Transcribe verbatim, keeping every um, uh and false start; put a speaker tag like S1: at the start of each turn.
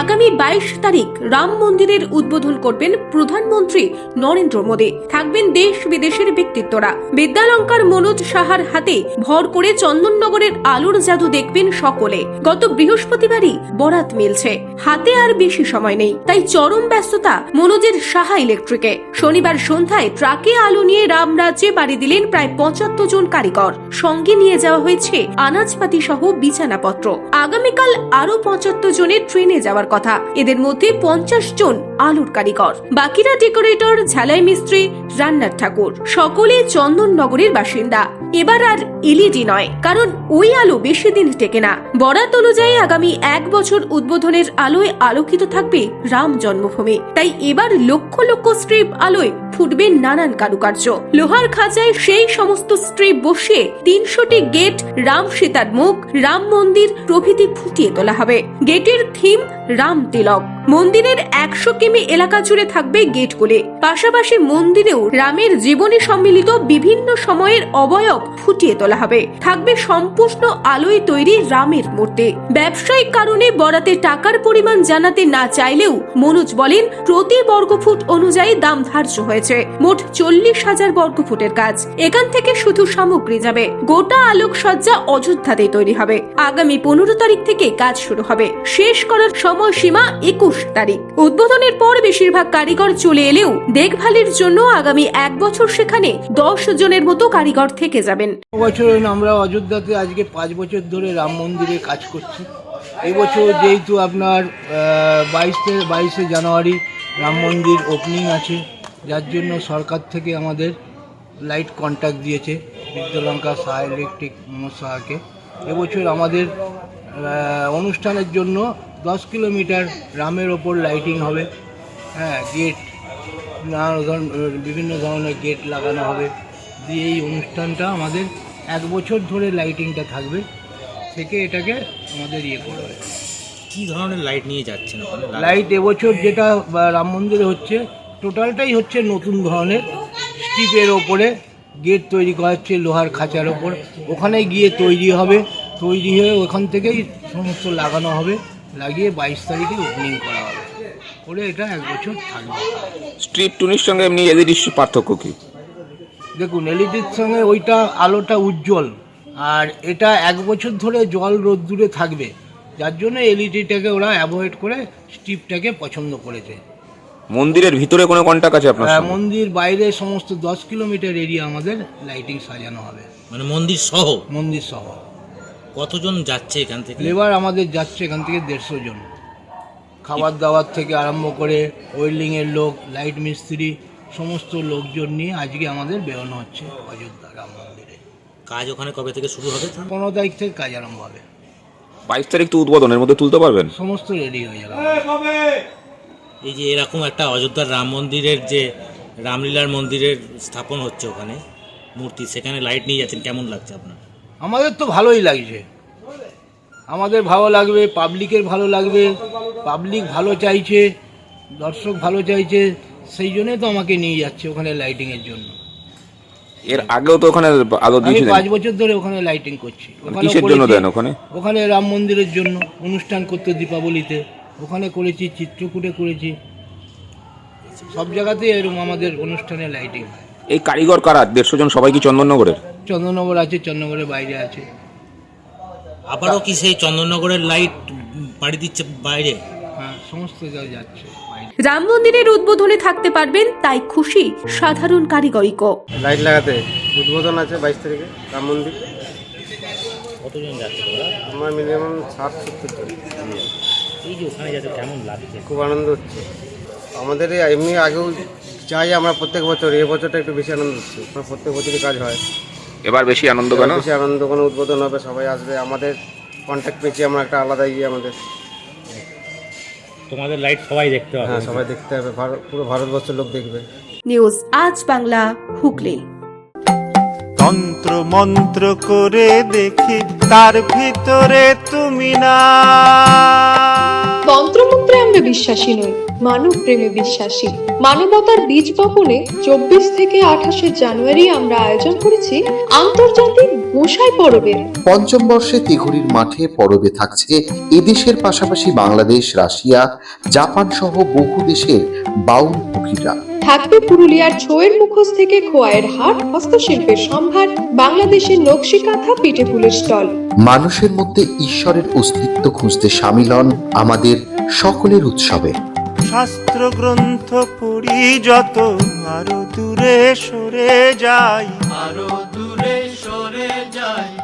S1: আগামী বাইশ তারিখ রাম মন্দিরের উদ্বোধন করবেন প্রধানমন্ত্রী নরেন্দ্র মোদী। থাকবেন দেশ বিদেশের ব্যক্তিত্বরা। বিদ্যালঙ্কার মনোজ সাহার হাতে ভর করে চন্দননগরের আলোর জাদু দেখবেন সকলে। গত বৃহস্পতিবারই বরাত মিলছে, হাতে আর বেশি সময় নেই, তাই চরম ব্যস্ততা মনোজের সাহা ইলেকট্রিকে। শনিবার সন্ধ্যায় ট্রাকে আলো নিয়ে রামরাজ্যে পাড়ি দিলেন প্রায় পঁচাত্তর জন কারিগর। সঙ্গে নিয়ে যাওয়া হয়েছে আনাজপাতি সহ বিছানাপত্র। আগামীকাল আরো পঁচাত্তর জনের ট্রেনে যাওয়ার কথা। এদের মধ্যে পঞ্চাশ জন আলোর কারিগর, বাকিরা ডেকোরেটর, ঝালাই মিস্ত্রি, রান্নার ঠাকুর। সকলে চন্দননগরের বাসিন্দা। এবার আর এলইডি নয়, কারণ ওই আলো বেশি দিন টেকে না। বরাত অনুযায়ী আগামী এক বছর উদ্বোধনের আলোয় আলোকিত থাকবে রাম জন্মভূমি। তাই এবার লক্ষ লক্ষ স্ট্রিপ আলোয় ফুটবে নানান কারুকার্য। লোহার খাঁচায় সেই সমস্ত স্ট্রিপ বসিয়ে তিনশোটি গেট, রাম সীতার মুখ, রাম মন্দির প্রভৃতি ফুটিয়ে তোলা হবে। গেটের থিম রাম তিলক। মন্দিরের একশো কিমি এলাকা জুড়ে থাকবে গেটগুলি। পাশাপাশি মন্দিরেও রামের জীবনী সম্মিলিত বিভিন্ন সময়ের অবয়ব ফুটিয়ে তোলা হবে। থাকবে সম্পূর্ণ আলোয় তৈরি রামের মূর্তি। ব্যবসায়িক কারণে বরাতে টাকার পরিমাণ জানাতে না চাইলেও মনোজ বলেন, প্রতি বর্গফুট অনুযায়ী দাম ধার্য হয়েছে। মোট চল্লিশ হাজার বর্গফুটের কাজ। এখান থেকে শুধু সামগ্রী যাবে। গোটা আলোকসজ্জা অযোধ্যাতেই তৈরি হবে। আগামী পনেরো তারিখ থেকে কাজ শুরু হবে। শেষ করার সময়সীমা একুশ তারিখ। উদ্বোধনের পর বেশিরভাগ কারিগর চলে এলেও দেখভালের জন্য আগামী এক বছর সেখানে দশ জনের মতো কারিগর থেকে যাবেন।
S2: বছর আমরা অযোধ্যাতে আজকে পাঁচ বছর ধরে রাম মন্দিরে কাজ করছি। এবছর যেহেতু আপনার বাইশে বাইশে জানুয়ারি রাম মন্দির ওপেনিং আছে, যার জন্য সরকার থেকে আমাদের লাইট কন্ট্রাক্ট দিয়েছে বিদ্যালঙ্কা সাহা ইলেকট্রিক মনোজ সাহাকে। এবছর আমাদের অনুষ্ঠানের জন্য দশ কিলোমিটার রামের ওপর লাইটিং হবে। হ্যাঁ, গেট, নানা ধরনের বিভিন্ন ধরনের গেট লাগানো হবে দিয়ে এই অনুষ্ঠানটা আমাদের এক বছর ধরে লাইটিংটা থাকবে, থেকে এটাকে আমাদের ইয়ে করবে।
S3: কী ধরনের লাইট নিয়ে যাচ্ছেন?
S2: লাইট এবছর যেটা রাম মন্দিরে হচ্ছে টোটালটাই হচ্ছে নতুন ধরনের স্টিপের ওপরে গেট তৈরি করা হচ্ছে লোহার খাঁচার ওপর। ওখানে গিয়ে তৈরি হবে, তৈরি হয়ে ওখান থেকেই সমস্ত লাগানো হবে, লাগিয়ে বাইশ তারিখে ওপেনিং করা হবে, করে এটা এক বছর থাকবে।
S4: স্ট্রিপ টুনির সঙ্গে এমনি এলইডির পার্থক্য কি?
S2: দেখুন, এলইডির সঙ্গে ওইটা আলোটা উজ্জ্বল, আর এটা এক বছর ধরে জল রোদ্দুরে থাকবে, যার জন্য এলইডিটাকে ওরা অ্যাভয়েড করে স্ট্রিপটাকে পছন্দ করেছে।
S4: মন্দিরের ভিতরে কোনো কন্টাক্ট আছে আপনার?
S2: মন্দির বাইরে সমস্ত দশ কিলোমিটার এরিয়া আমাদের লাইটিং সাজানো হবে।
S3: মানে মন্দির সহ?
S2: মন্দির সহ।
S3: কতজন যাচ্ছে এখান থেকে?
S2: লেবার আমাদের যাচ্ছে এখান থেকে দেড়শো জন। খাবার দাবার থেকে আরম্ভ করে ওয়েল্ডিংয়ের লোক, লাইট মিস্ত্রি, সমস্ত লোকজন নিয়ে আজকে আমাদের বেরোনো হচ্ছে অযোধ্যা রাম মন্দিরে।
S3: কাজ ওখানে কবে থেকে শুরু হবে?
S2: পনেরো তারিখ থেকে কাজ আরম্ভ হবে।
S4: বাইশ তারিখ তো উদ্বোধনের মধ্যে তুলতে পারবেন?
S2: সমস্ত রেডি হয়ে যাবে।
S3: এই যে এরকম একটা অযোধ্যার রাম মন্দিরের যে রামলীলার মন্দিরের স্থাপন হচ্ছে ওখানে মূর্তি, সেখানে লাইট নিয়ে যাচ্ছেন, কেমন লাগছে আপনার?
S2: আমাদের তো ভালোই লাগছে, আমাদের ভালো লাগবে, পাবলিকের ভালো লাগবে। পাবলিক ভালো চাইছে, দর্শক ভালো চাইছে, সেই জন্যই তো আমাকে নিয়ে যাচ্ছে ওখানে লাইটিংয়ের জন্য।
S4: এর আগেও তো ওখানে আলো দিয়েছিলেন?
S2: পাঁচ বছর ধরে ওখানে লাইটিং করছি।
S4: কিসের জন্য দেন ওখানে?
S2: ওখানে রাম মন্দিরের জন্য অনুষ্ঠান করতে, দীপাবলিতে ওখানে করেছি, চিত্রকূটে করেছি, সব জায়গাতেই এরকম আমাদের অনুষ্ঠানে লাইটিং হয়।
S4: এই কারিগর কারা? দেড়শো জন সবাই কি চন্দননগরের?
S2: চন্দননগর আছে, চন্দননগরের বাইরে আছে।
S3: আবারও কি সেই চন্দননগরের লাইট পাড়ি দিচ্ছে বাইরে?
S2: হ্যাঁ, সমস্ত জায়গায় যাচ্ছে।
S1: রাম মন্দিরের উদ্বোধনে থাকতে পারবেন, তাই খুশি সাধারণ কারিগরিকও।
S5: লাইট লাগাতে উদ্বোধন আছে বাইশ তারিখে রাম মন্দির।
S3: কতজন যাচ্ছে তোরা?
S5: আমার মিনিমাম ষাট সত্তর জন।
S3: এই যে ওখানে যাচ্ছে, কেমন লাগছে?
S5: খুব আনন্দ হচ্ছে আমাদের। এমনি আগেও চাই আমরা প্রত্যেক বছর, এই বছরটা একটু বেশি আনন্দ হচ্ছে। আমার প্রত্যেক বছরই কাজ হয়,
S4: এবার বেশি আনন্দ কেন?
S5: বেশি আনন্দ, কোনো উদ্বোধন হবে, সবাই আসবে, আমাদের কন্ট্যাক্ট পেয়েছি আমরা একটা আলাদা ইয়ে আমাদের।
S3: তোমাদের লাইট সবাই দেখতে হবে?
S5: হ্যাঁ, সবাই দেখতে হবে, পুরো ভারতবর্ষের লোক দেখবে।
S1: নিউজ আজ বাংলা, হুগলি।
S6: তন্ত্র মন্ত্র করে দেখি তার ভিতরে তুমি না।
S7: তন্ত্রমন্ত্রে আমরা বিশ্বাসী নই, মানব প্রেমে বিশ্বাসী। মানবতার বীজ বপনে চব্বিশ থেকে আঠাশে জানুয়ারি আমরা আয়োজন করেছি আন্তর্জাতিক গোসাই পরবের।
S8: পঞ্চম বর্ষে তিঘুরির মাঠে পরবে থাকছে এদেশের পাশাপাশি বাংলাদেশ, রাশিয়া, জাপান সহ বহু দেশের বাউল পুকিরা।
S7: থাকবে পুরুলিয়ার ছোয়ের মুখোশ থেকে খোয়াইয়ের হাট, হস্তশিল্পের সম্ভার, বাংলাদেশের নকশি কাঁথা, পিঠে ফুলের স্টল।
S8: মানুষের মধ্যে ঈশ্বরের অস্তিত্ব খুঁজতে সামিল হন আমাদের সকলের উৎসবে।
S6: শাস্ত্র গ্রন্থ পড়ি যত, আরো দূরে সরে যাই, আরো দূরে সরে যাই।